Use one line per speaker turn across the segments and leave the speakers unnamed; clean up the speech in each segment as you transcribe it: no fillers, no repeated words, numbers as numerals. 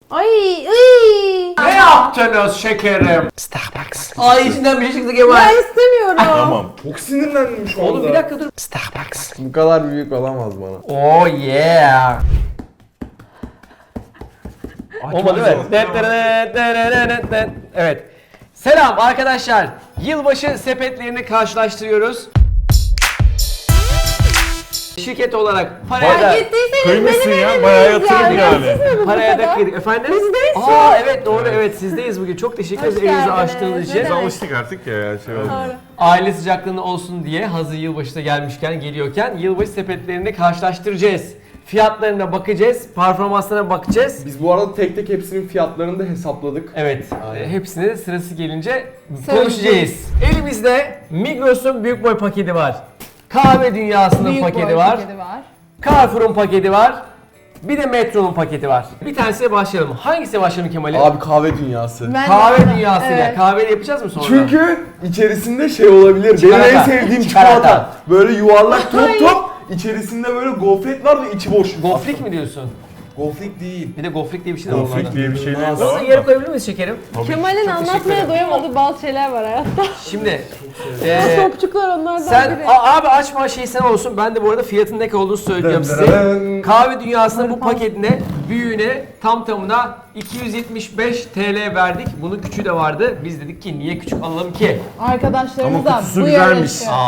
Ay, ay.
Ne yaptınız şekerim?
Starbucks.
Ay içinden bir şey çıktı Kemal.
Ben istemiyorum.
Tamam.
Çok sinirlendim şu anda.
Oğlum bir dakika dur.
Starbucks.
Bu kadar büyük olamaz bana.
Oh yeah. Olmadı evet. Evet. Selam arkadaşlar. Yılbaşı sepetlerini karşılaştırıyoruz. Şirket olarak paraya da...
Fark ettiyseniz
Kıymışsın
benim
ya,
evimiz
bayağı yatırım yani.
Siz mi bu
Paraya da
kadar?
kıydık. Efendim?
Bizdeyiz şu
Aa
an.
evet doğru evet sizdeyiz bugün. Çok teşekkür ederiz
Hoş
evinizi
geldiniz.
açtığınız
Ne
için.
Biz
demek?
alıştık artık ya şey oldu.
Doğru.
Aile sıcaklığında olsun diye hazır yılbaşı da gelmişken geliyorken yılbaşı sepetlerini karşılaştıracağız. Fiyatlarına bakacağız, performanslarına bakacağız.
Biz bu arada tek tek hepsinin fiyatlarını da hesapladık.
Evet,
Aynen.
hepsini sırası gelince
Söyleyeceğiz.
konuşacağız. Elimizde Migros'un büyük boy paketi var. Kahve Dünyası'nın
Büyük
paketi
boy
var.
paketi var.
Carrefour'un paketi var. Bir de Metro'nun paketi var. Bir tanesiyle başlayalım. Hangisiyle başlayalım Kemal'im?
Abi kahve dünyası.
Ben
Kahve
de-
Dünyası'yla.
Evet.
Kahveyle yapacağız mı sonra?
Çünkü içerisinde şey olabilir.
Çikolata.
Benim en sevdiğim
Çikolata.
çikolata. Böyle yuvarlak top top. İçerisinde böyle gofret var ve içi boş.
Gofrik mi diyorsun?
Gofret değil.
Bir de gofrik diye bir şey de var.
Gofrik diye bir şeyler de
Onu
var.
yarı koyabilir miyiz şekerim?
Kemal'in
Çok teşekkür
anlatmaya
ederim.
doyamadığı bazı şeyler var hayatta.
Şimdi
Topçuklar onlardan
sen
biri.
abi açma şey sen olsun. Ben de bu arada fiyatın ne olduğunu söyleyeceğim size. Kahve Dünyası'nın bu paketine, büyüğüne tam tamına 275 TL verdik. Bunun küçüğü de vardı. Biz dedik ki niye küçük alalım ki?
Arkadaşlarımız
Ama
da
kutusu
bu
güzelmiş.
yarışı.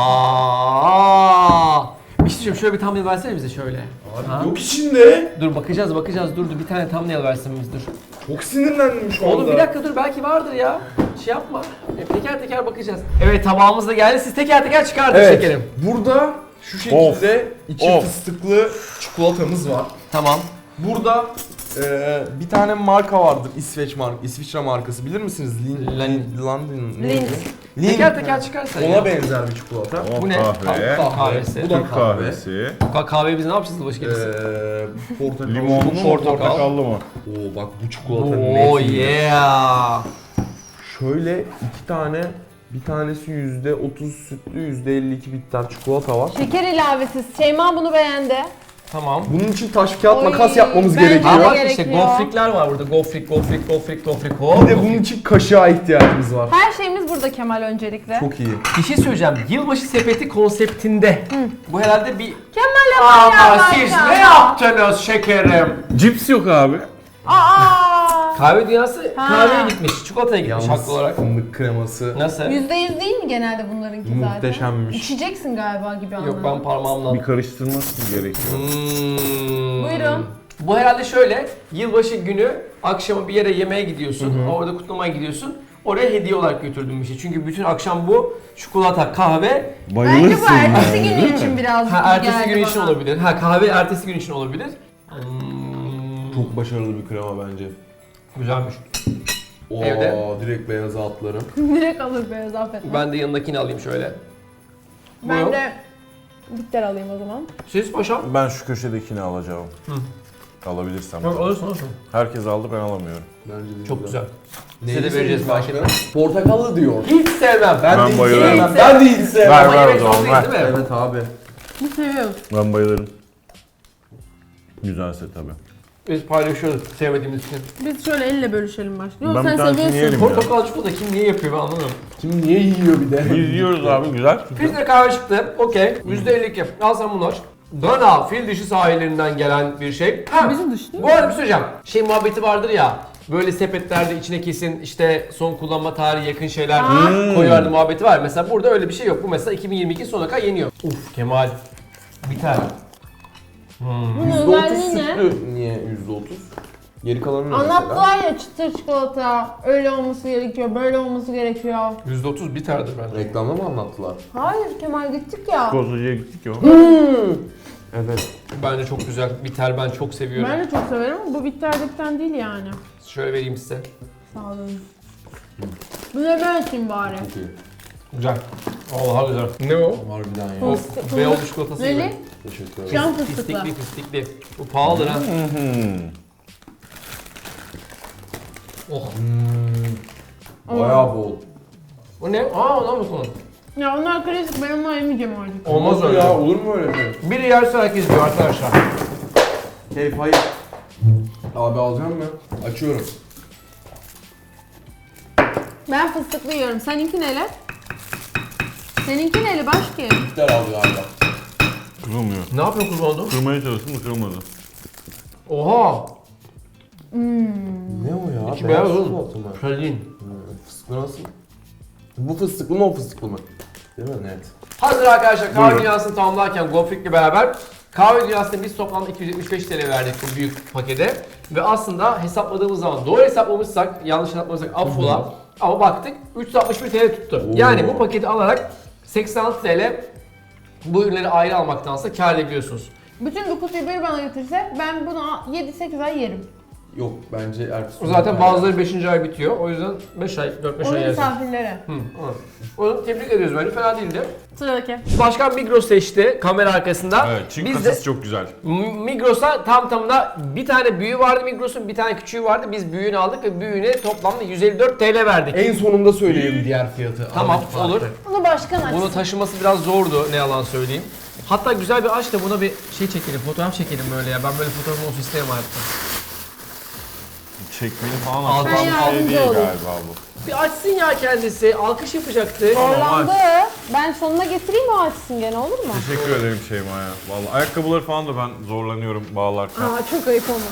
Aa! Bir şey söyleyeyim, şöyle bir thumbnail versene bize şöyle. Ha?
Yok içinde.
Dur bakacağız dur bir tane thumbnail versin biz dur.
Çok sinirlendim şu anda.
Oğlum bir dakika dur belki vardır ya. Şey yapma. Teker teker bakacağız. Evet tabağımız da geldi. Siz teker teker çıkartın
Evet.
şekerim.
Burada şu şekilde içi
Of.
fıstıklı çikolatamız var.
Tamam.
Burada bir tane marka vardır. İsviçre markası bilir misiniz? London.
Lindt.
Teker teker çıkarsan
Ona
ya.
benzer bir çikolata.
Bu ne?
Kahve.
Kahvesi.
Bu da
Türk
kahve.
kahvesi.
Kahveyi biz ne yapacağız yılbaşı gecesi?
Portakal.
Limonlu mu
Portakal.
portakallı mı?
Oo bak bu çikolata
Oh
net.
yeah.
Şöyle iki tane, bir tanesi %30 sütlü, %52 bitter çikolata var.
Şeker ilavesiz. Şeyma bunu beğendi.
Tamam.
Bunun için taş kağıt
Oy,
makas yapmamız
bence
gerekiyor.
Aa bak işte
gerekiyor.
gofrikler var burada. Gofrik.
Bir de bunun için kaşığa ihtiyacımız var.
Her şeyimiz burada Kemal öncelikle.
Çok iyi.
Bir şey söyleyeceğim. Yılbaşı sepeti konseptinde. Bu herhalde bir...
Kemal
Ama
yapar
siz
ya.
ne yaptınız şekerim?
Cips yok abi.
Aa!
Kahve Dünyası
Ha.
kahveye gitmiş. Çikolataya gitmiş
Yalnız
haklı olarak.
fındık kreması
Nasıl?
%100 değil mi genelde bunlarınki zaten?
muhteşemmiş.
İçeceksin galiba gibi
Yok
anladım.
ben parmağımla...
Bir karıştırması gerekiyor.
Buyurun.
Bu herhalde şöyle, yılbaşı günü akşama bir yere yemeğe gidiyorsun, orada kutlamaya gidiyorsun. Oraya hediye olarak götürdüğüm bir şey. Çünkü bütün akşam bu çikolata, kahve,
Bence
Bayılırsın
bu
ya.
ertesi günü için birazcık
ertesi
geldi
gün için
bana.
olabilir. Kahve ertesi gün için olabilir.
Çok başarılı bir krema bence.
Güzelmiş.
Oo,
Evde.
direkt beyaza atlarım.
Direkt alır beyaz affetme.
Ben de yanındakini alayım şöyle.
Ben
Buyurun.
de bitter alayım o zaman.
Siz paşam?
Ben şu köşedekini alacağım. Alabilirsem.
Yok olursun.
Herkes aldı ben alamıyorum.
Bence de
Çok güzel.
Neyli
Size de vereceğiz
başka?
belki.
Portakallı diyor.
Hiç sevmem.
Ben
Ben
de hiç
bayılırım.
sevmem. Ben de hiç sevmem.
Ver
Ama
ver o
yemek
zaman
zorundayız
ver.
değil mi?
Evet abi.
Biz seviyoruz.
Ben bayılırım. Güzelse tabii.
Biz paylaşıyoruz sevmediğimiz için.
Biz şöyle elle bölüşelim başka. Yok
Ben
sen
bir tanesini
seviyorsun.
yerim.
Portakal çikolata kim niye yapıyor ben anlamıyorum.
Kim niye yiyor bir de?
Biz yiyoruz abi güzel.
Filtre kahve çıktı. Okey. %52. Al sen bunlar. Dana, fil dişi sahillerinden gelen bir şey. Ha,
Bizim dış değil
bu arada bir şey söyleyeceğim. Şey muhabbeti vardır ya. Böyle sepetlerde içine kesin işte son kullanma tarihi yakın şeyler koyuyordu muhabbeti var. Mesela burada öyle bir şey yok. Bu mesela 2022 sonuna kadar yeniyor. Uf Kemal. Biter.
Bunun
%30
özelliği ne?
sütlü. Niye %30? Geri kalanı ne
Anlattılar ya çıtır çikolata, öyle olması gerekiyor, böyle olması gerekiyor.
%30 biterdir bence.
Reklamda mı anlattılar?
Hayır Kemal gittik ya.
Kozucuya gittik ya.
Evet.
Bence çok güzel. Biter ben çok seviyorum.
Ben de çok severim ama bu bitterdikten değil yani.
Şöyle vereyim size.
Sağ olun. Bu ne ben açayım bari.
Çok iyi.
Güzel. Vallahi güzel. Ne o?
Harbiden ya.
O
Fıstık-
beyaz çikolatası gibi.
Neli?
Teşekkür ederim.
Cam fıstıklı.
Pislikli. Bu pahalıdır ha. Oh.
Bayağı bol.
Bu ne? Aa ondan mı konu?
Ya onlar klasik, ben onları yemeyeceğim artık.
Olmaz öyle.
ya, olur mu öyle şey?
Biri yerse herkes yiyor arkadaşlar.
Keyif hayır. Abi alacağım mı? Açıyorum.
Ben fıstıklı yiyorum. Seninki neyle? Seninki neyle başki?
Bitter alıyor abi.
Kırılmıyor.
Ne yapıyor kız oldu?
Kırmaya çalıştım da kırılmadı.
Oha!
Ne o ya?
İçi beyaz oğlum.
çikolata mı?
Pralin.
Fıstıklı nasıl? Bu fıstıklı mı o fıstıklı mı? Değil mi? Evet.
Hazır arkadaşlar kahve
Buyurun.
dünyasını tamamlarken Gofrik'le beraber kahve dünyasında biz toplamda 275 TL verdik bu büyük pakete. Ve aslında hesapladığımız zaman doğru hesaplamışsak, yanlış hesaplamışsak affola. Ama baktık 361 TL tuttu. Yani bu paketi alarak 86 TL bu ürünleri ayrı almaktansa kâr edebiliyorsunuz.
Bütün bu kutuyu bir bana getirse ben bunu 7-8 ay yerim.
Yok bence ertesi gün.
Zaten bazıları 5. ay bitiyor. O yüzden 5 ay, 4-5
Onu
ay yersin.
misafirlere.
Hı, evet. Onu tebrik ediyoruz bence. Fena değildi.
Sıradaki.
Başkan Migros seçti kamera arkasında.
Evet, çiğ
Biz
kasası
de
çok güzel.
Migros'a tam tamına bir tane büyüğü vardı Migros'un, bir tane küçüğü vardı. Biz büyüğünü aldık ve büyüğüne toplamda 154 TL verdik.
En sonunda söyleyeyim diğer fiyatı.
Tamam,
Aradaki
olur.
farkı.
Bunu başkan açsın.
Bunu taşıması biraz zordu, ne yalan söyleyeyim. Hatta güzel bir aç da buna bir şey çekelim, fotoğraf çekelim böyle ya. Ben böyle fotoğrafım olsun istemem hayatta.
Çekmeli falan
Al,
açan bir
yardımcı
şey değil
olayım.
galiba bu.
Bir açsın ya kendisi, alkış yapacaktı.
Zorlandı. Ben sonuna getireyim o açsın gene olur mu?
Teşekkür ederim Şeyma ya. Vallahi ayakkabıları falan da ben zorlanıyorum bağlarken.
Aa çok ayıp ama.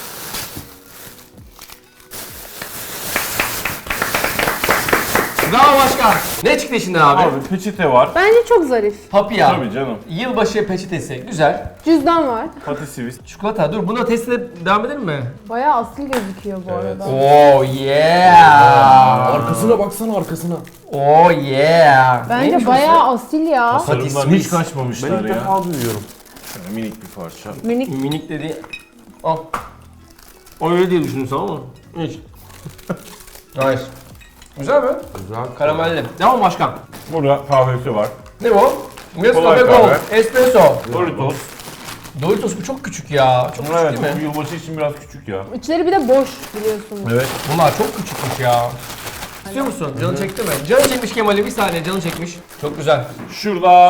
Bravo başkan. Ne çıktı içinden abi?
Abi peçete var.
Bence çok zarif.
Papya.
Tabii canım.
Yılbaşı peçetesi. Güzel.
Cüzdan var.
Patissivis.
Çikolata. Dur buna testine devam edelim mi?
Bayağı asil gözüküyor bu arada.
Oh yeah.
Arkasına baksana arkasına.
Oh yeah.
Bence
Neymiş
bayağı asil ya.
Tasarımdan hiç
Patissivis.
Ben
kaçmamışlar
ilk
ya.
defa duyuyorum.
Şöyle minik bir parça.
Minik.
Minik dedi. Al. O öyle diye düşündün ama. Hiç. Nice. Güzel mi?
Güzel.
Karamelli. Devam başkan.
Burada kahvesi var.
Ne bu? Nescafe
Kolay
Gold.
kahve.
Espresso.
Doritos.
Doritos bu çok küçük ya. Çok küçük
Evet,
değil mi?
bu yılbaşı için biraz küçük ya.
İçleri bir de boş biliyorsunuz.
Evet.
Bunlar çok küçükmüş ya. İstiyor musun? Canı çekti mi? Canı çekmiş Kemal'i, bir saniye canı çekmiş. Çok güzel.
Şurada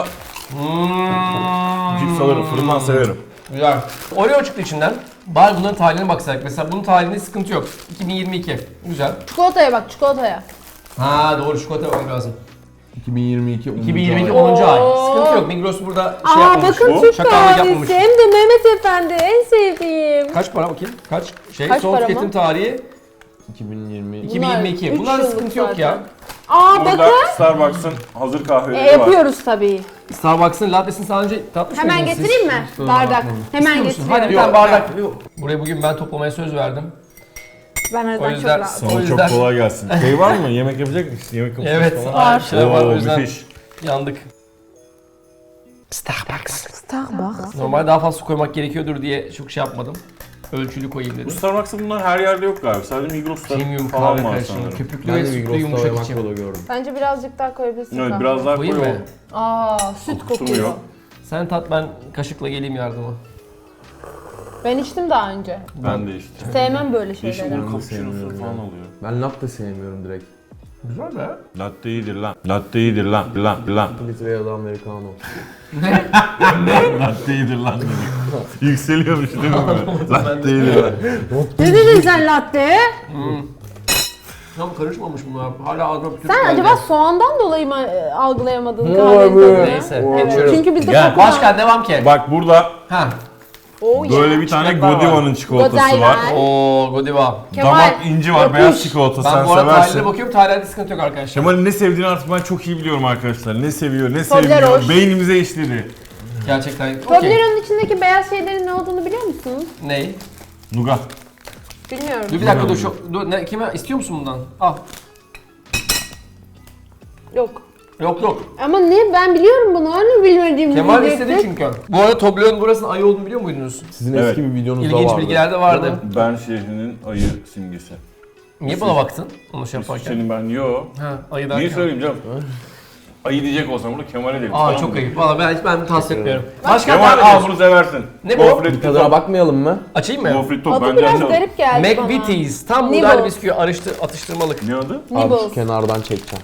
Hmm.
cips alırım, fırından severim.
Güzel. Oreo çıktı içinden. Bari bunların tarihine baksak. Mesela bunun tarihinde sıkıntı yok. 2022. Güzel.
Çikolataya bak çikolataya.
Ha doğru, çikolata olmak lazım.
2022.
2022
10.
10. ay.
Oo.
Sıkıntı yok. Migros burada şey
Aa
yapmamış.
bakın
bu.
Türk
Şakallık yapmamış.
kahvesi. Hem de Mehmet Efendi en sevdiğim.
Kaç para bakayım? Kaç?
Kaç
Son
para
tüketim
mı?
tarihi
2020.
2022.
üç
Bunlarda
yıllık
sıkıntı yok ya.
zaten. Aa
Burada
bakın.
Starbucks'ın hazır kahveleri var.
Yapıyoruz tabii.
Starbucks'ın lattesini daha önce tatmış
Hemen
mıydınız siz?
getireyim mi? Bardak. Hemen
İstiyor musun? Hadi bir
getiriyorum.
tane bardak. Buraya bugün ben toplamaya söz verdim.
Ben o yüzden
O
çok
yüzden-
rahatım.
O
Sana
yüzden-
çok kolay gelsin. Şey var mı? Yemek yapacak mısın? Yemek yapacak
Evet.
falan.
Var. Şeyler var o
Oo,
yüzden
müthiş.
yandık. Starbucks.
Starbucks.
Normalde daha fazla su koymak gerekiyordur diye çok şey yapmadım. Ölçülü koyayım
Bu
dedim.
Starbucks'ın bunlar her yerde yok galiba. Sadece Migros'ta
Premium
falan
kahve
var
karışımı.
sanırım.
Köpüklü
Ben
ve
de
sütlü
Migros'ta
yumuşak
Makro'da
içim.
gördüm.
Bence birazcık daha koyabilirsin.
Evet
kahve.
biraz daha
Koyayım
koy
mı?
o.
Aa süt
Tutmuyor.
kokuyor.
Sen tat, ben kaşıkla geleyim yardıma.
Ben içtim daha önce.
Ben de işte.
Sevmem böyle
Yeşil
şeyleri.
bol cappuccino'su
sevmiyorum
falan
ya.
oluyor.
Ben latte sevmiyorum direkt.
Güzel be.
Latte iyidir lan. Latte iyidir lan. Lan.
2 litre ya da americano.
Latte iyidir lan dedik. Yükseliyormuş değil mi böyle? Latte iyidir lan.
Ne dedin sen latte?
Tam karışmamış bunlar. Hala ağzıma bir
Sen
geldi.
acaba soğandan dolayı mı algılayamadın kahvenin
Neyse,
tadını?
geçiyorum.
Çünkü bizde
Gel.
koku var.
Başkan devam ki.
Bak burada
Ha.
Oh
böyle
yeah.
bir tane
Çikolata var.
Godiva'nın çikolatası
Godiva.
var.
Oo, Godiva.
Kemal,
Damak inci var,
yapış.
beyaz çikolata
Ben
sen
bu arada
seversin.
tarihine bakıyorum. Tarihlerde sıkıntı yok arkadaşlar.
Kemal'in ne sevdiğini artık ben çok iyi biliyorum arkadaşlar. Ne seviyor, ne
Toblerone.
sevmiyor. Beynimize işledi.
Gerçekten. Okey.
Toblerone'un içindeki beyaz şeylerin ne olduğunu biliyor musunuz?
Ney?
Nuga.
Bilmiyorum.
Dur bir dakika dur. Dur ne, kime istiyor musun bundan? Al.
Yok.
Yok.
Ama ne? Ben biliyorum bunu. Hani bilmediğimi
Kemal
bilecektim.
istedi çünkü. Bu arada Toblerone'un burasının ayı olduğunu biliyor muydunuz?
Sizin
Evet.
eski bir videonuzda
İlginç
vardı.
bilgiler de vardı.
Ben şehrinin ayı simgesi.
Niye bana baktın? Onu şey yaparken.
Senin ben yo.
Ha, ayı derken.
Niye söyleyeyim canım? Ayı diyecek olsam burada Kemal'e derim.
Aa
tamam
çok
mı?
ayıp. Valla ben tasvip etmiyorum. Başkan
Kemal
devam
al
ediyorsun.
bunu seversin.
Ne bu?
Gofret
Bir tadına
top.
bakmayalım mı?
Açayım mı?
Gofret top
Adı
bence
biraz
anne.
garip geldi bana.
McVitie's. Tam
Nibbles.
buğday bisküvi atıştırmalık.
Ne adı?
Abi
Nibbles.
şu kenardan çekeceğim.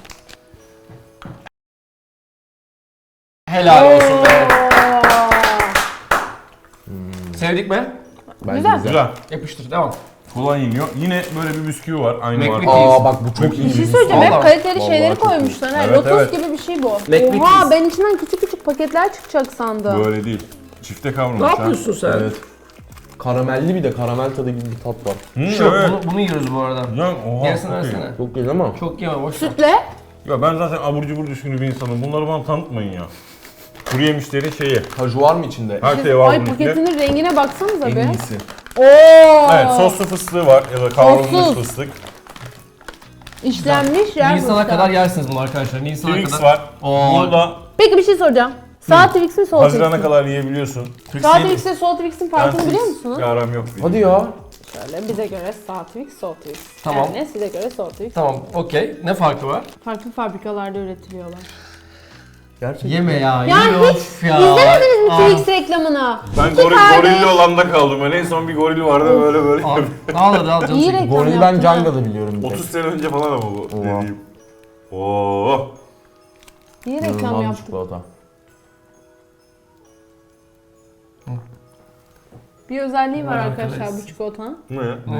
Helal olsun be.
Oo.
Sevdik mi?
Bence
Güzel.
Güzel.
Yapıştır, devam.
Kolay yeniyor. Yine böyle bir bisküvi var. Aynı
McVitie's.
marka.
Aa bak bu çok iyi.
Bir şey söyleyeceğim, hep
Vallahi-
kaliteli
vallahi
şeyleri
çok iyi.
koymuşlar. Ha,
Evet,
Lotus
evet.
gibi bir şey bu.
McVitie's.
Oha, ben içinden küçük küçük paketler çıkacak sandım.
Böyle değil. Çifte
Ne
kavrulmuş ha.
yapıyorsun sen?
Evet. Karamelli bir de karamel tadı gibi bir tat var.
Şu,
Evet.
bunu yiyoruz bu arada.
Ya, oha,
Yarısını
çok iyi.
versene.
Çok iyi ama.
Çok yeme, boş ver.
Sütle.
Ya ben zaten abur cubur düşkünü bir insanım. Bunları bana tanıtmayın ya. Kuru yemişlerin şeyi.
Kaju var mı içinde?
Her şey var
Ay
bunun içinde.
paketinin rengine baksanıza
En
be.
iyisi.
Oo.
Evet, soslu fıstığı var ya da kavrulmuş
Sossuz.
fıstık.
İşlenmiş yer
Nisan'a
fıstığı.
kadar yersiniz bunu arkadaşlar. Nisan'a
Twix
kadar.
var.
Oo.
Burada
Peki bir şey soracağım. Sağ Twix mi sol Twix
Haziran'a
mi?
kadar yiyebiliyorsun.
Sağ Twix ile sol Twix'in farkını
Ben
biliyor
Twix
musunuz?
bir aram yok.
Hadi ya.
Şöyle bize göre sağ Twix, sol Twix.
Tamam.
Yani size göre sol Twix.
Tamam, okey. Ne farkı var?
Farklı fabrikalarda üretiliyorlar.
Gerçekten.
Yeme ya,
Ya
yeme
hiç
of ya.
İzlemediniz mi
Aa.
Twix reklamını?
Ben
İki kardeş.
gorilli olanda kaldım. Ben en son bir goril vardı böyle böyle.
Al, al hadi al canım.
İyi
çekin.
reklam
Goril ben
yaptın ha.
Canga'da biliyorum bir tek.
30 sene önce falan ama bu
Oha.
dediğim. Oo.
İyi reklam
İnanılmaz bir
yaptık.
çikolata.
Bir özelliği var
Vay
arkadaşlar
arkadaş.
bu çikolatanın.
Ne?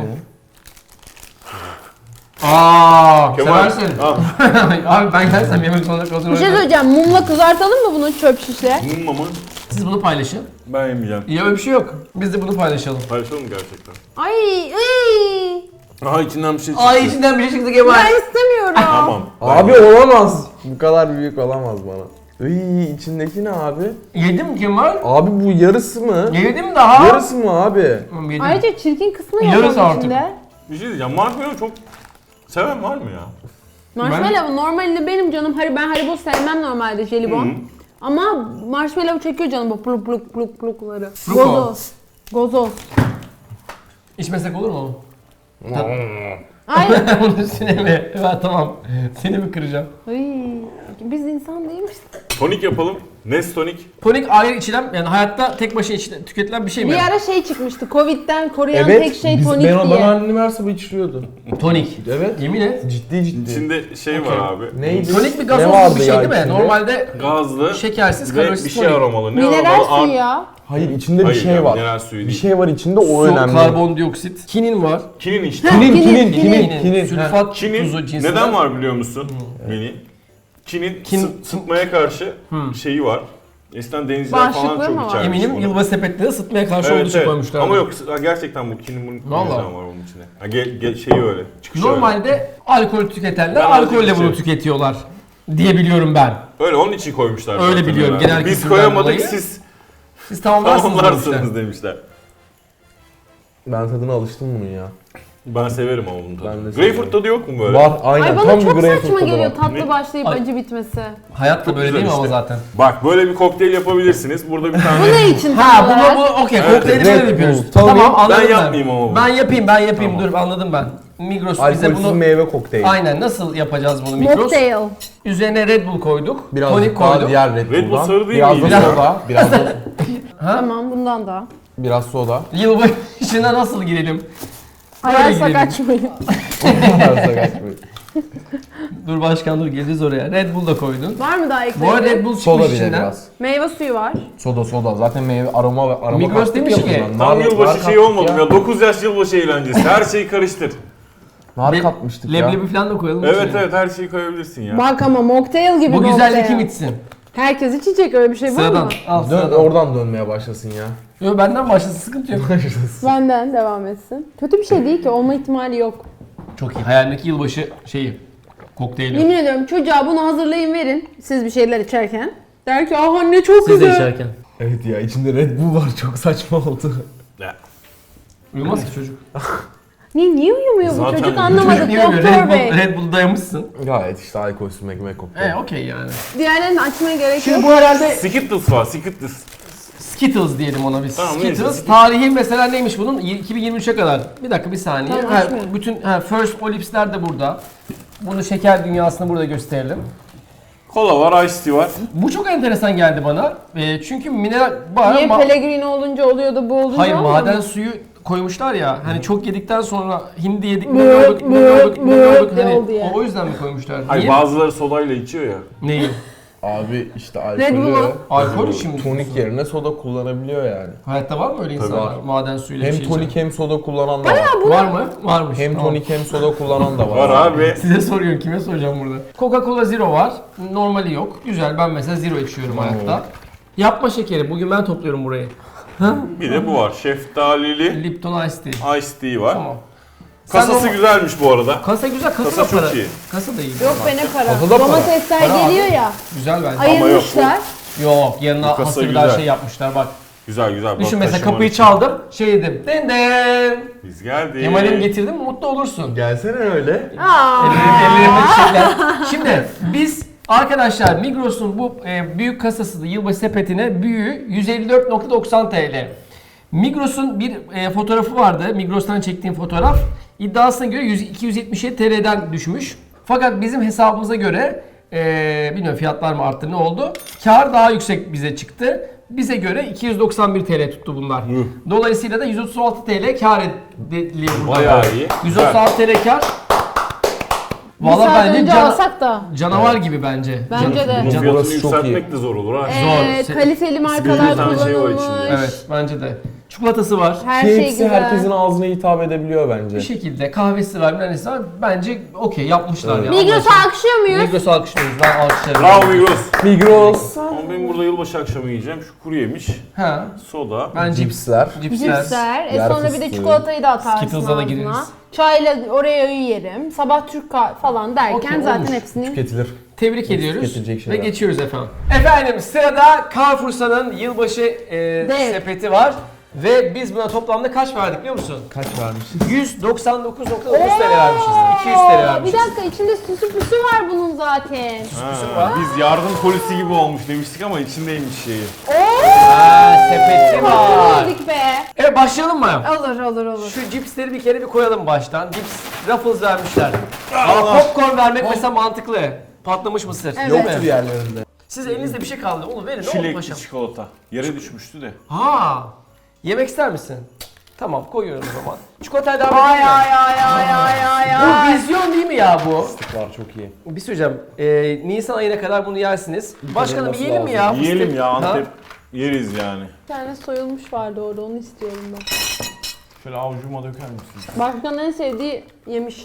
Aaa,
Kemal.
seversin.
Al.
Abi ben gelsem yemek zorunda kalırım.
Bir şey söyleyeceğim. Mumla kızartalım mı bunu çöp şişle?
Mumma mı?
Siz bunu paylaşın.
Ben yemeyeceğim.
Ya öyle bir şey yok. Biz de bunu paylaşalım.
Paylaşalım mı gerçekten?
Ay,
Aha içinden bir şey çıktı.
Ay içinden bir şey çıktı Kemal.
ben istemiyorum.
Tamam.
Abi olamaz. Bu kadar büyük olamaz bana. Iy, içindeki ne abi?
Yedin mi Kemal?
Abi bu yarısı mı?
Yedim daha.
Yarısı mı abi?
Tamam, yedim.
Ayrıca çirkin kısmı
Yarısı
yok onun
artık.
içinde.
Bir şey diyeceğim. Marshmallow çok seven var mı ya?
Marshmallow normalde benim canım ben Haribo sevmem normalde jelibon. Ama marshmallow çekiyor canım bu pluk pluk pluk plukları.
Pluko.
Gozoz. Gozoz.
İçmesek olur mu?
Aynen.
Bunun üstüne mi? Evet tamam. Seni mi kıracağım?
Ay, biz insan değil miyiz?
Tonik yapalım. Nes tonik.
Tonik ayrı içilen, yani hayatta tek başına tüketilen bir şey mi?
Bir ara şey çıkmıştı. Covid'den koruyan tek şey tonik
bana
diye.
annem varsa bu içiliyordu.
Tonik.
Evet.
Yemin et.
Ciddi ciddi.
İçinde şey
Okey.
var abi.
Neydi?
Tonik bir
Ne
gazozlu
vardı
bir şey
ya
değil mi?
içinde?
Normalde
Gazlı
şekersiz,
ve
kalorisiz
bir şey
tonik.
aromalı. Ne
Mineral
aromalı?
suyu ya.
Hayır içinde bir
Hayır
şey
ya,
var.
mineral suyu
Bir
değil.
şey var içinde o
Su,
önemli.
karbondioksit, kinin var.
Kinin işte.
Kinin.
Sülfat
Kinin
tuzu cinsinden.
neden var biliyor musun? Mini. Sıtmaya karşı şeyi var. Eskiden denizciler falan
Bağışıklığı mı
çok
var?
içermiş
Eminim
bunu.
yılbaşı sepetleri ısıtmaya karşı olduğu için koymuşlar.
Ama yok gerçekten bu kinin bunun
Vallahi.
neden var onun içine. Ha, şeyi öyle. Çıkışı
Normalde alkol tüketenler
Ben
alkolle
azıcık
bunu
içerim.
tüketiyorlar diye biliyorum ben.
öyle onun için koymuşlar.
Öyle
zaten
biliyorum,
herhalde.
genel
Biz
kültürden
koyamadık
dolayı.
siz
Siz tamamlarsınız
tamamlarsınız
demişler.
demişler.
Ben tadına alıştım bunun ya.
Ben severim ama bunun
Ben
tadını.
de
Greyfurt
severim.
tadı yok mu böyle?
Var aynen.
Ay
Tam
bana
bir
çok
greyfurt
saçma
tadı
geliyor
var.
tatlı
Ne?
başlayıp
Ay.
acı bitmesi.
Hayat da
Çok
böyle
güzel
değil mi ama
işte.
zaten?
Bak böyle bir kokteyl yapabilirsiniz. Burada bir
Bu
tane...
ne için
Ha
tam olarak?
bu okey,
Evet,
kokteyli
Red
böyle yapıyoruz.
Bull.
Tamam
Tabii.
anladım
Ben yapmayayım ama bunu.
Ben yapayım
Tamam.
dur anladım ben. Migros bize
Alkolsüz
bunu...
meyve kokteyli.
Aynen, nasıl yapacağız bunu Migros?
Mocktail.
Üzerine Red Bull koyduk,
Biraz
tonik
daha
koyduk.
diğer Red
Red Bull
Bull'dan.
sarı değil
Biraz
miydi
da
ya?
soda.
Tamam bundan da.
Biraz soda.
Yılbaşına nasıl girelim?
Ararsak
girelim.
açmayın.
Dur başkan dur, geleceğiz oraya. Red Bull da koydun.
Var mı daha
Bu arada Red
ekleyelim?
Bull
Soda
çıkmış
bile
içinden.
biraz.
Meyve suyu var.
Soda. Zaten meyve aroma
Migros
kattık
demiş
ya
ki,
buna.
Tam
Nar
yılbaşı şeyi
kattık
olmadı ya. 9 yaş yılbaşı eğlencesi. Her şeyi karıştır.
Nar katmıştık ya.
Leblebi falan da koyalım.
Evet
içine.
evet her şeyi koyabilirsin ya.
Bak ama mocktail gibi
Bu
mocktail.
güzelliği kim içsin?
Herkes içecek, öyle bir şey var
Sıradan.
mı?
Al
Dön,
sıradan.
oradan dönmeye başlasın ya.
Yo, benden başlasın, sıkıntı yok.
Benden devam etsin. Kötü bir şey değil ki, olma ihtimali yok.
Çok iyi. Hayalimdeki yılbaşı şeyi. Kokteyli.
Yemin ediyorum çocuğa bunu hazırlayın verin siz bir şeyler içerken. Der ki ah anne çok
Siz de
güzel.
içerken.
Evet ya içinde Red Bull var çok saçma oldu.
Ya,
Uyumaz ki çocuk.
Niye uyumuyor bu
Zaten
çocuk
çocuk
anlamadık
Niye uyumuyor?
doktor bey.
Red Bull dayamışsın.
Gayet işte alkolsüz meyve kokteyl.
Okey yani.
Diğerlerini açmaya gerek
Şimdi
yok.
bu herhalde
Skittles var Skittles.
Skittles diyelim ona biz.
Tamam,
Skittles
neyse.
tarihi mesela neymiş bunun? 2023'e kadar. Bir dakika bir saniye.
Tamam,
Ha,
açmıyorum.
bütün First Olips'ler de burada. Bunu şeker dünyasını burada gösterelim.
Kola var, Ice Tea var.
Bu çok enteresan geldi bana. Çünkü mineral var
Niye
ama...
Pellegrino olunca oluyor da bu olunca
Hayır,
olmuyor
maden
mu?
suyu koymuşlar ya. Hani çok yedikten sonra hindi yedik mi
Mıh,
olduk
mıh,
hani
diye oldu yani.
o yüzden mi koymuşlar?
Hayır
Niye?
bazıları sodayla içiyor ya.
Neyi?
Abi işte
Red Bull'u.
alkolü
Alkol şimdi.
tonik yerine soda kullanabiliyor yani.
Hayatta var mı öyle insanlar?
var.
Maden suyuyla
Hem
bir şey
tonik
içen?
hem soda kullanan da var.
Var mı? Varmış.
Hem
Tamam.
tonik hem soda kullanan da var.
Var abi.
Size soruyorum, kime soracağım burada? Coca-Cola Zero var. Normali yok. Güzel, ben mesela Zero içiyorum hayatta. Yapma şekeri. Bugün ben topluyorum burayı.
Bir de bu var. Şeftalili
Lipton Ice Tea.
Ice Tea var.
Tamam.
Kasası
Sen
güzelmiş bu arada.
Kasa güzel, kasa,
Kasa
da para.
çok iyi.
Kasa da iyi.
Yok be ne para.
Kasada para.
Domatesler
Para abi.
geliyor ya.
Güzel bence.
Ayırmışlar.
Yok, yanına
Bu kasa
hasır bir
güzel.
daha şey yapmışlar bak.
Güzel güzel.
Düşün
Bak,
mesela
taşıman
kapıyı
için.
çaldım, şey dedim. Den den.
Biz geldik.
Kemal'im getirdim, mutlu olursun.
Gelsene öyle.
Aa.
Ellerimde çiçekler. Şimdi biz arkadaşlar Migros'un bu büyük kasası yılbaşı sepetine büyüğü 154.90 TL. Migros'un bir fotoğrafı vardı. Migros'tan çektiğim fotoğraf. İddiasına göre 277 TL'den düşmüş. Fakat bizim hesabımıza göre bilmiyorum fiyatlar mı arttı ne oldu? Kar daha yüksek bize çıktı. Bize göre 291 TL tuttu bunlar. Dolayısıyla da 136 TL kar ediliyor burada.
Bayağı iyi.
136 TL kar.
Bir
Valla
saat
bence
önce alsak da.
canavar gibi bence.
Bence de.
Bunun
Can-
fiyatını
Burası çok
yükseltmek de zor olur ha.
Zor.
Kaliteli markalar
Bir tane şey var
kullanılmış.
içinde.
Evet bence de. Çikolatası var.
Her şey
Hepsi
güzel.
herkesin ağzına hitap edebiliyor bence.
Bir şekilde kahvesi var, bir var. Bence okey yapmışlar ya.
Migros'u
Anlaşıldı.
alkışlıyor muyuz?
Migros'u alkışlıyoruz. Ben alkışlarım.
Bravo Migros.
Migros.
Ama ben burada yılbaşı akşamı yiyeceğim. Şu kuru yemiş,
Ha.
soda.
Ben
Cipsler.
cipsler.
Cipsler.
yer
Sonra bir de
fıstığı.
çikolatayı da atarsın
Skittles'a da
ağzına.
gireriz.
Çayla oraya yerim. Sabah Türk kahve falan derken
Okey,
zaten
olmuş.
hepsini...
Tüketilir.
Tebrik ediyoruz
tüketilecek
ve
şeyler.
geçiyoruz efendim. Efendim sırada Carrefour'un yılbaşı
Dev.
sepeti var. Ve biz buna toplamda kaç verdik biliyor musun?
Kaç vermişiz?
199.9 TL vermişiz. 200 TL
Bir
vermişiz.
dakika içinde süsü püsü var bunun zaten.
Ha, biz yardım polisi gibi olmuş demiştik ama içindeymiş şeyi.
Ha, sepeti var.
Yedik be.
Evet başlayalım mı?
Olur.
Şu cipsleri bir kere bir koyalım baştan. Cips, Ruffles vermişler.
Allah.
Ama popcorn vermek mesela mantıklı. Patlamış mısır.
Evet.
Değil mi?
Yoktur yerlerinde.
Siz elinizde bir şey kaldı. Onu verin. Ne oldu
Çilekli
paşam?
çikolata. Yere düşmüştü de.
Ha. Yemek ister misin? Tamam koyuyorum o zaman. Çikolatayı devam
Ay
edeyim mi?
ay.
Bu vizyon değil mi ya bu?
Var çok iyi.
Bir söyleyeceğim. Nisan ayına kadar bunu yersiniz. Başkanım
olması
yiyelim mi
lazım.
ya?
Yiyelim
fıstık?
ya
Ha?
Antep. Yeriz yani.
Bir tane soyulmuş vardı orada onu istiyorum ben.
Şöyle avucuma döker misin?
Başkanın en sevdiği yemiş.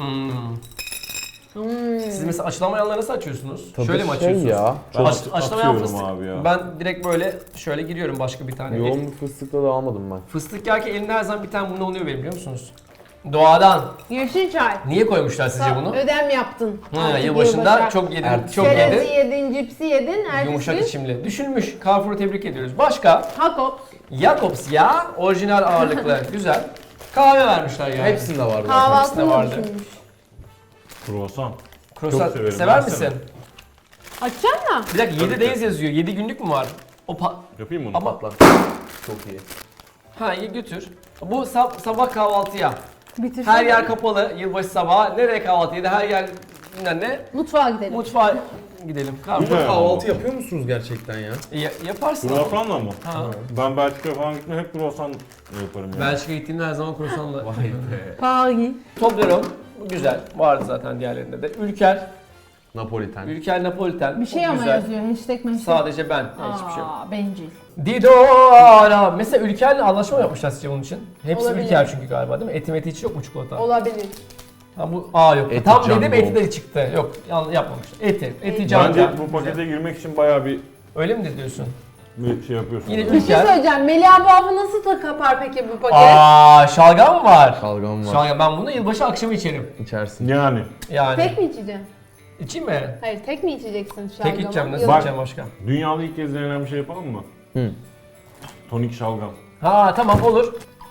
Siz mesela açılamayanları nasıl açıyorsunuz?
Tadı
Şöyle mi
şey
açıyorsunuz?
ya.
Çok
Açılamayan
atıyorum
fıstık.
abi ya.
Ben direkt böyle şöyle giriyorum başka bir tane.
Yoğun bir fıstıkla da almadım ben.
Fıstık yerken elimde her zaman bir tane bundan oluyor benim biliyor musunuz? Doğadan.
Yeşil çay.
Niye koymuşlar sizce bunu?
Ödem yaptın.
Ha,
Artık
yılbaşında
yılbaşı.
çok yedin,
Ertesi
çok
Çerezi
yedi.
yedin, cipsi yedin.
Yumuşak
Ertesi
içimli. Düşünmüş. Carrefour'u tebrik ediyoruz. Başka?
Hakop.
Jacobs ya. Orijinal ağırlıklı. Güzel. Kahve vermişler yani.
Hepsinde var zaten.
Kahvaltını da
vardı.
düşünmüş.
Kruvasan.
Croissant
Çok severim.
sever
Ben
misin?
severim.
Açacaksın mı?
Bir dakika 7
Tabii
days yazıyor. 7 günlük mü var?
Yapayım mı onu?
Ama
Patlat. Çok iyi.
ha iyi götür. Bu sabah kahvaltıya.
Bitirsin.
Her yer kapalı. Yılbaşı sabahı. Nereye kahvaltıydı? Her yer bilmem ne.
Mutfağa gidelim.
Mutfağa gidelim.
Güzel.
Kahvaltı yapıyor musunuz gerçekten ya?
Yaparsın ama.
Kruvasanla mı?
Ha.
Ben Belçika'ya falan gitme hep kruvasan yaparım yani.
Belçika'ya gittiğimde her zaman croissantla.
Paris.
Toblerone. Bu güzel. Vardı zaten diğerlerinde de. Ülker.
Napoliten.
Ülker Napoliten.
Bir şey
O
ama
güzel.
yazıyor. Hashtag meşhur.
Sadece ben. Hiçbir şey yok.
Bencil.
Didora. Mesela Ülker'le anlaşma mı yapmışlar sizce bunun için? Hepsi
Olabilir.
Ülker çünkü galiba değil mi? Eti hiç yok mu çikolata?
Olabilir.
Ha bu yok.
Eti
Tam
Jumbo.
dedim eti de çıktı. Yok yapmamışlar. Eti can
Bence
can.
bu pakete girmek için bayağı bir
Öyle mi diyorsun?
şey yapıyorsun.
Yine
Bir şey
Ülker.
söyleyeceğim. Melih bu hafı nasıl da kapar peki bu paket?
Şalgam mı var?
Şalgam var.
Şalgam ben bunu yılbaşı akşamı içerim.
İçersin.
Yani.
Yani.
Tek mi içeceksin?
İçeyim mi?
Hayır tek mi içeceksin şalgamı?
Tek içeceğim. Nasıl
Yok.
Bak.
içeceğim başka?
Dünyada ilk kez denenen bir şey yapalım mı?
Hı.
Tonik şalgam.
Ha tamam olur.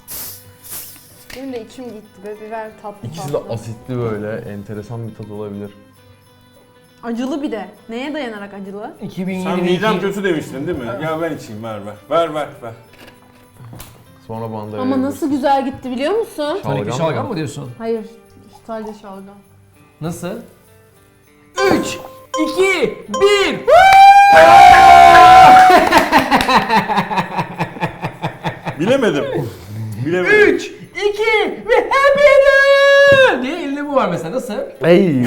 Benim de içim gitti be biber tatlı
İkisi de
tatlı.
asitli böyle. Enteresan bir tat olabilir.
Acılı bir de. Neye dayanarak acılı?
2022.
Sen midem kötü demiştin değil mi? Ya ben içeyim ver. Ver.
Sonra bana da
Ama
verebilirsin.
nasıl güzel gitti biliyor musun?
Tonikli
Şalgam
şalgam
mı?
mı diyorsun?
Hayır. Sadece şalgam.
Nasıl? 3, 2, 1.
Bilemedim.
3, 2 ve happy diye elini bu. var mesela, nasıl?
Ey.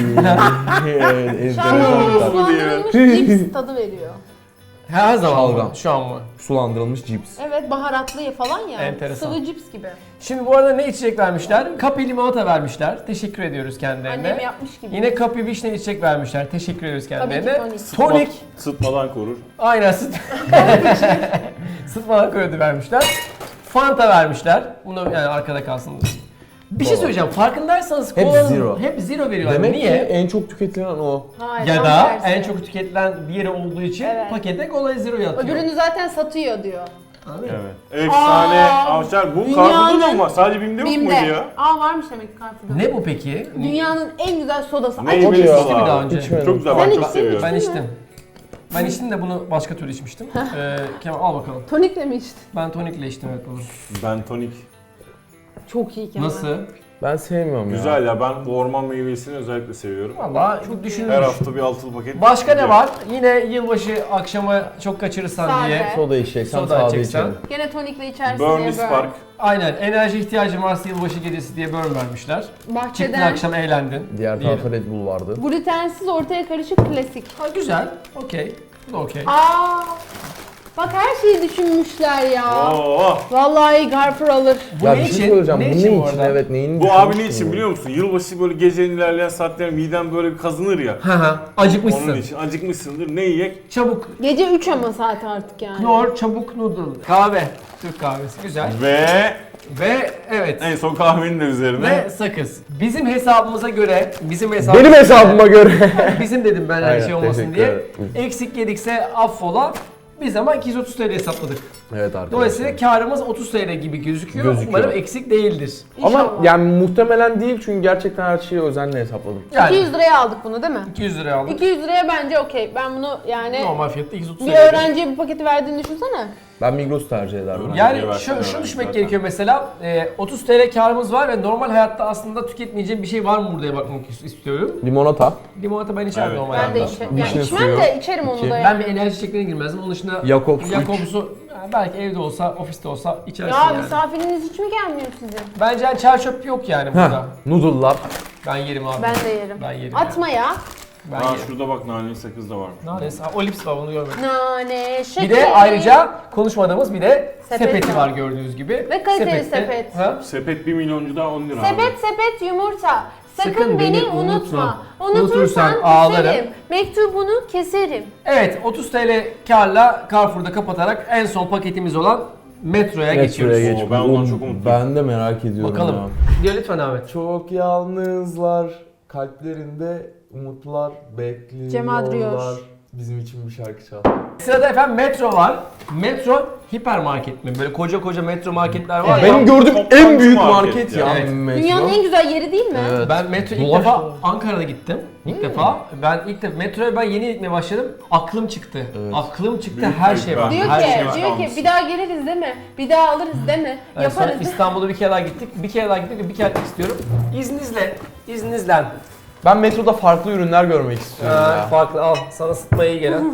Şu an sulandırılmış cips tadı veriyor.
Her zaman mı?
Şalgam.
Şu an mı?
Sulandırılmış cips.
Evet, baharatlı falan ya.
Enteresan.
Sıvı cips gibi.
Şimdi bu arada ne içecek vermişler? Kapi limonata vermişler. Teşekkür ediyoruz kendilerine.
Annem yapmış gibi.
Yine kapi vişne içecek vermişler. Teşekkür ediyoruz kendilerine.
tonik.
Tonik.
Sıtmadan korur.
Aynen sıtmadan kredi vermişler. Fanta vermişler. Bunu yani arkada kalsın. Bir şey söyleyeceğim. Farkındaysanız
Hep
kolanın
zero.
hep zero veriyorlar.
Demek
Niye?
ki en çok tüketilen o.
Hayır,
Ya
tam
da
tersi.
en çok tüketilen diğeri olduğu için
Evet.
pakete kola zero'yu atıyor.
Öbürünü zaten satıyor diyor.
Anladın mı?
Evet. Efsane
Aa,
avşar. Bu
dünyanın-
Carrefour'da da mı var? Sadece BİM'de yok muydu
Bim'de.
ya?
Varmış demek ki Carrefour'da.
Ne bu peki?
Dünyanın en güzel sodası.
Ne
Ay,
yemeği
ya.
İçti mi daha önce?
İçmedim.
Çok güzel.
Sen
Ben çok
içtin,
seviyorum.
Ben içtim. Ben içtim de bunu başka türlü içmiştim. Kemal al bakalım.
tonikle mi içtin?
Ben tonikle içtim evet bunu.
Ben tonik.
Çok iyi Kemal.
Nasıl?
Ben sevmiyorum ya.
Güzel ya. Ben bu orman meyvesini özellikle seviyorum.
Valla çok düşünülmüş.
Her hafta bir altılı paket.
Başka ne
gidiyor.
var? Yine yılbaşı akşamı çok kaçırırsan
Sade.
diye.
Soda içeceksen
Soda
sade
içeceksen.
içelim.
Gene tonikle içersin
Burnley
diye
Spark.
Aynen enerji ihtiyacın varsa yılbaşı gecesi diye burn vermişler. Çıktın
Bahçeden
akşam eğlendin.
Diğer
diyelim.
tarafa Red Bull vardı.
glutensiz ortaya karışık klasik.
Ha, güzel. Okey. Bu da okey.
Bak her şeyi düşünmüşler ya.
Oo.
Vallahi Carrefour alır.
Bu
Ya
ne
bir şey
için?
söyleyeceğim.
Ne
Bu
için
ne
bu
için?
arada?
Evet neyin
Bu abi ne
düşünmüşsün
için
bunu?
biliyor musun? Yılbaşı böyle gecenin ilerleyen saatlerinde midem böyle bir kazınır ya.
Hı hı. Acıkmışsın.
Onun için acıkmışsındır. Ne yiyek?
Çabuk.
Gece 3 ama saat artık yani.
Knor, çabuk noodle. Kahve. Türk kahvesi. Güzel. Ve evet.
En son kahvenin de üzerine.
Ve sakız. Bizim hesabımıza göre,
Benim hesabıma göre.
bizim dedim ben her
Aynen,
şey olmasın
teşekkür
diye.
ederim.
Eksik yedikse affola. Biz ama 230 TL hesapladık.
Evet arkadaşlar.
Dolayısıyla karımız 30 TL gibi gözüküyor.
Gözüküyor.
Umarım eksik değildir.
Ama
İnşallah.
yani muhtemelen değil çünkü gerçekten her şeyi özenle hesapladım.
Yani
200 liraya aldık bunu değil mi?
200 liraya aldık.
200 liraya bence okey. Ben bunu yani
Normal fiyatı 230
bir
TL.
öğrenciye bu paketi verdiğini düşünsene.
Ben Migros tercih ederdim.
Yani
Öğrenciye
şunu
versen
düşünmek
zaten.
gerekiyor mesela 30 TL karımız var ve normal hayatta aslında tüketmeyeceğim bir şey var mı buraya bakmak istiyorum.
Limonata.
Limonata ben içerim
Evet.
normal
Ben de
hayatta.
içerim. Yani
Vişne
içmem
suyu.
de içerim onu
İki.
da
Ben
yani.
bir enerji içeceklerine girmezdim. Onun dışında
Jakobs
Jakobs'u belki evde olsa, ofiste olsa içersin
Ya
yani.
misafiriniz hiç mi gelmiyor sizin?
Bence yani çer çöp yok yani burada.
Heh, noodle'lar.
Ben yerim abi.
Ben de yerim.
Ben yerim.
Atma ya.
Ben
Aa
yerim.
şurada bak naneli sakız da var.
Neyse, o lips var onu görmedim.
Nane, şeker.
Bir de ayrıca konuşmadığımız bir de
Sepet
sepeti
var.
var gördüğünüz gibi.
Ve kaliteli
Sepette-
sepet.
Ha?
Sepet 1 milyoncu daha 10 lira abi.
Sepet yumurta. Sakın beni unutma.
Unutursan
Unutursan
ağlarım.
küserim. Mektubunu keserim.
Evet 30 TL karla Carrefour'da kapatarak en son paketimiz olan Metro'ya geçiyoruz.
geç. geçiyoruz. Ben ondan çok umutluyum.
Ben de merak ediyorum
Bakalım.
ya.
Diyor lütfen Ahmet.
Çok yalnızlar, kalplerinde umutlar bekliyorlar.
Cem Adriyoş.
Bizim için bir şarkı çal.
Sırada efendim Metro var. Metro hipermarket mi? Böyle koca koca metro marketler var ya.
Benim gördüğüm en
Toptancı
büyük
market
market
ya.
ya.
Evet.
Metro.
Dünyanın en güzel yeri değil mi?
Evet.
Ben metro ilk
Dolaş
defa
dolaş.
Ankara'da gittim. İlk defa. Ben ilk defa metroya ben yeni gitmeye başladım. Aklım çıktı.
Evet.
Aklım çıktı.
Büyük
Her
bir
şey var.
ben.
Diyor
Her
ki,
şey var.
diyor ki bir daha geliriz değil mi? Bir daha alırız değil mi?
Yani sonra
Yaparız.
İstanbul'a bir kere daha gittik. Bir kere daha gittik ve bir kere gitmek istiyorum. İzninizle. İzninizle.
Ben metroda farklı ürünler görmek istiyorum ya.
Farklı al. Sana sıtmaya iyi gelen.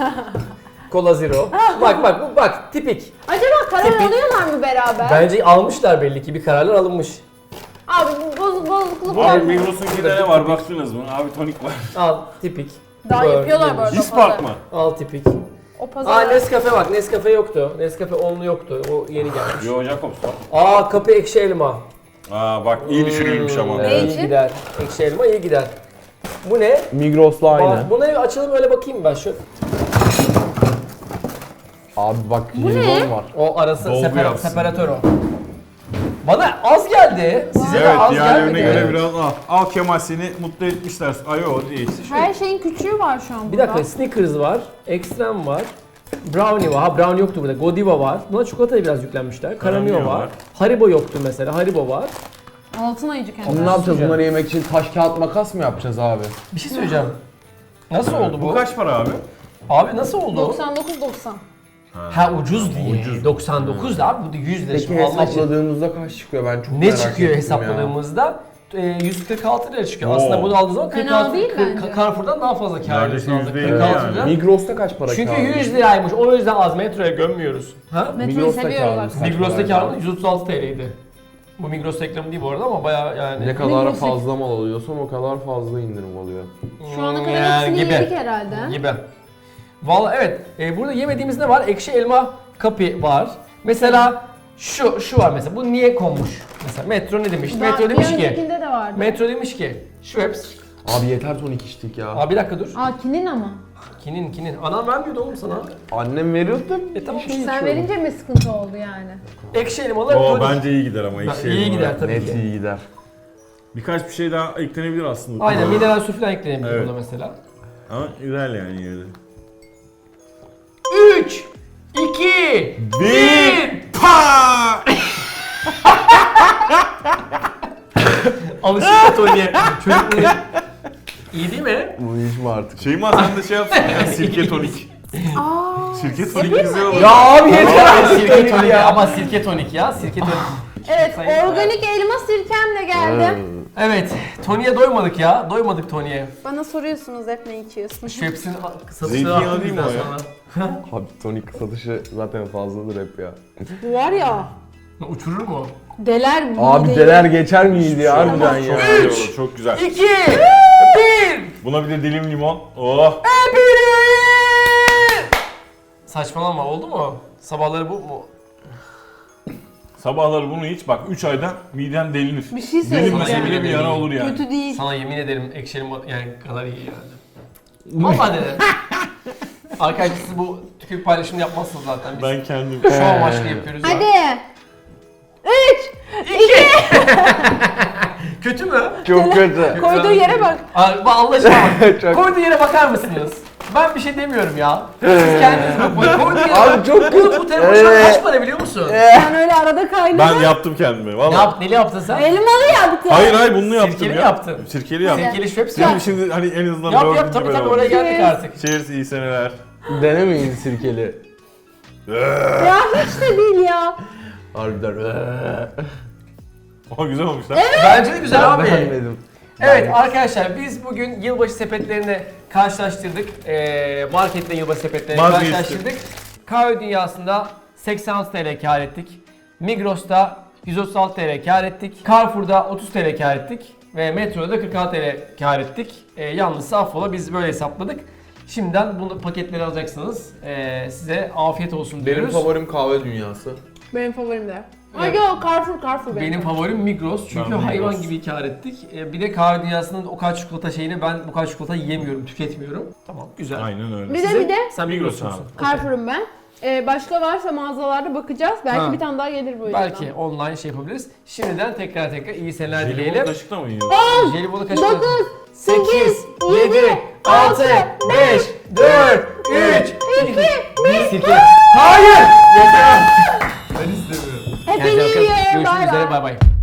Cola Zero. Bak tipik.
Acaba karar alıyorlar mı beraber?
Bence almışlar belli ki bir kararlar alınmış.
Abi bozukluk
Bu
var
abi
mı?
Migros'unkinde ne var baktınız mı? Abi tonik var.
Al tipik.
Daha
Böyle
yapıyorlar bu arada.
Hispark mı?
Al tipik.
O
Aa
pazar.
Nescafe bak. Nescafe yoktu. Nescafe onlu yoktu. O yeni gelmiş.
Yo Jacobs var.
Aa kapı ekşi elma.
Aa bak iyi düşünülmüş ama.
Ne
iyi
için?
gider. Ekşi elma iyi gider. Bu ne?
Migros'la aynı.
Aa, buna bir açalım öyle bakayım ben şu.
Abi bak
Bu ne?
jelibon var.
O arası
Dolgu yapsın.
separatör o. Bana az geldi. Size de
Evet
az
diğerlerine
gelmedi.
göre biraz al. Al Kemal seni mutlu etmişler. Ay o değil.
Her şeyin küçüğü var şu an
Bir
burada.
dakika Snickers var, Extreme var, Brownie var. Ha Brownie yoktu burada. Godiva var. Buna çikolataya biraz yüklenmişler. Karamio
Karamio
var.
var.
Haribo yoktu mesela. Haribo var.
Altın ayıcı
Bunu
kendisi.
ne yapacağız?
Sıcak.
Bunları yemek için taş kağıt makas mı yapacağız abi?
Bir şey söyleyeceğim. Nasıl oldu bu?
Bu kaç para abi?
Abi nasıl oldu?
99.90.
Ha ucuz diye. 99 da abi bu da 100 lira.
Peki
Şimdi Allah için.
hesapladığımızda kaç çıkıyor? Ben çok
Ne
merak
çıkıyor
ettim
hesapladığımızda? 146 lira çıkıyor.
Oo.
Aslında bunu aldığınız zaman
Fena
46
değil bence.
Carrefour'dan daha fazla kâr
Neredeyse
ediyorsun.
%50
46
yani.
lira.
ya. Migros'ta kaç para
Çünkü
kağıdı?
100 liraymış. O yüzden az metroya gömmüyoruz. Ha?
Metroyu
Migros'ta
seviyorlar.
kağıdı. Kaç
Migros'ta
paraydı?
kârımız 136 TL'ydi. Bu Migros reklamı değil bu arada ama bayağı yani.
Ne kadar
Migros
fazla mal alıyorsan o kadar fazla indirim oluyor.
Şu ana kadar
Yani
hepsini
gibi.
yedik herhalde.
Gibi. Vallahi evet. Burada yemediğimiz ne var? Ekşi elma kapi var. Mesela şu var mesela. Bu niye konmuş? Mesela Metro ne demiş? Metro demiş
Bir
ki.
öncekinde de vardı.
Metro demiş ki. Schweppes.
Abi yeter tonik içtik ya.
Abi bir dakika dur.
Aa kinin ama.
Kinin. Anam vermiyordu oğlum sana.
Annem veriyordu.
Tamam.
Sen verince mi sıkıntı oldu yani?
Ekşi elmalı
Oo
tonik.
bence iyi gider ama ekşi
İyi
elma.
gider tabii
Net
ki.
iyi gider.
Birkaç bir şey daha eklenebilir aslında.
Aynen mineral su falan eklenebilir
Evet.
buna mesela.
Ama güzel yani yine de.
3 2
Bir pa!
Alışık Tony'ye. Çocukluğu. İyi değil mi?
Bunu içme artık.
Şeyma sen de şey yapsın ya sirke tonik. Sirke tonik güzel olur.
Ya abi yeter
Ama
artık
sirke
tonik
tonik
ya.
ama sirke tonik ya. Sirke tonik.
Evet,
Sayın-
organik elma sirkemle geldim.
Evet. Tony'ye doymadık ya. Doymadık Tony'ye.
Bana soruyorsunuz hep ne içiyorsun?
Schweppes'in satışları
Zeytinyağı
arttı
değil mi
bizden
o ya?
sonra.
Abi tonik satışı zaten fazladır hep ya.
Bu var ya,
Uçurur mu?
deler bu
Abi
değil.
deler geçer miydi ya harbiden
Çok
ya.
güzel olur, çok güzel.
2 1
Buna bir de dilim limon. Oh.
Saçmalama oldu mu? Sabahları bu mu?
Sabahları bunu iç bak 3 ayda miden delinir.
Bir şey
Sana
Delinmese
yemin
söyleyeceğim.
bile bir
ederim.
yara olur yani.
Kötü değil.
Sana yemin ederim ekşi elma yani kadar iyi yani. Vallahi dedim. Arkadaşlar siz bu tükürük paylaşımını yapmazsınız zaten biz.
Ben kendim.
Şu amaçlı yapıyoruz ya.
Hadi. 3.
Kötü mü?
Çok kötü.
Koyduğu yere bak.
Abi Allah aşkına bak.
Çok-
Koyduğu yere bakar mısınız? Ben bir şey demiyorum ya. Siz kendiniz bakın. Koyduğu yere
Abi
bak.
çok
Oğlum
kötü.
bu telefon şu an kaç para biliyor musun?
Sen öyle arada kaynadın.
Ben yaptım kendime
Ne
valla.
Neli yaptın sen?
Elmalı yaptın.
Hayır bunu yaptım
Sirkeli
ya.
yaptın.
Sirkeli yaptım.
Sirkeli Schweppes
Şimdi,
yap.
şimdi hani en azından
Yap
dördüncü
tabii
ben
tabii
oldum.
oraya geldik artık.
Cheers iyi seneler.
Denemeyin sirkeli.
Ya hiç de değil ya.
Harbiden.
Ama güzel olmuş lan.
Bence de güzel abi.
Beğenmedim.
Evet arkadaşlar biz bugün yılbaşı sepetlerini karşılaştırdık. Marketle yılbaşı sepetlerini
Vazgeçtim.
karşılaştırdık. Kahve dünyasında 86 TL kar ettik. Migros'ta 136 TL kar ettik. Carrefour'da 30 TL kar ettik. Ve Metro'da da 46 TL kar ettik. Yalnız affola biz böyle hesapladık. Şimdiden bunu paketleri alacaksınız. Size afiyet olsun
Benim
diyoruz.
favorim kahve dünyası.
Benim favorim de. Ay
Evet.
yok, Carrefour
Benim favorim Migros çünkü
Ben
hayvan
Migros.
gibi kar ettik. Bir de kahve dünyasının o kadar çikolata şeyini ben bu kadar çikolata yiyemiyorum, tüketmiyorum. Tamam, güzel.
Aynen öyle.
Bir de
Sen
Migros
Migros'un.
abi.
Carrefour'um ben. Başka varsa mağazalarda bakacağız. Belki
Ha.
bir tane daha gelir bu yüzden.
Belki online şey yapabiliriz. Şimdiden tekrar iyi seneler
Jelibon
dileyelim.
kaşıkla mı yiyor?
Jelibonu kaçtı.
9,
8,
8,
7,
7,
6,
6,
5, 4, 3,
2, 1.
Sirke. Hayır! Yeter! Ben istemiyorum.
Happy
Kendinize
New
bakın.
Year.
Görüşmek
Bye
üzere.
bye.
Bay bay.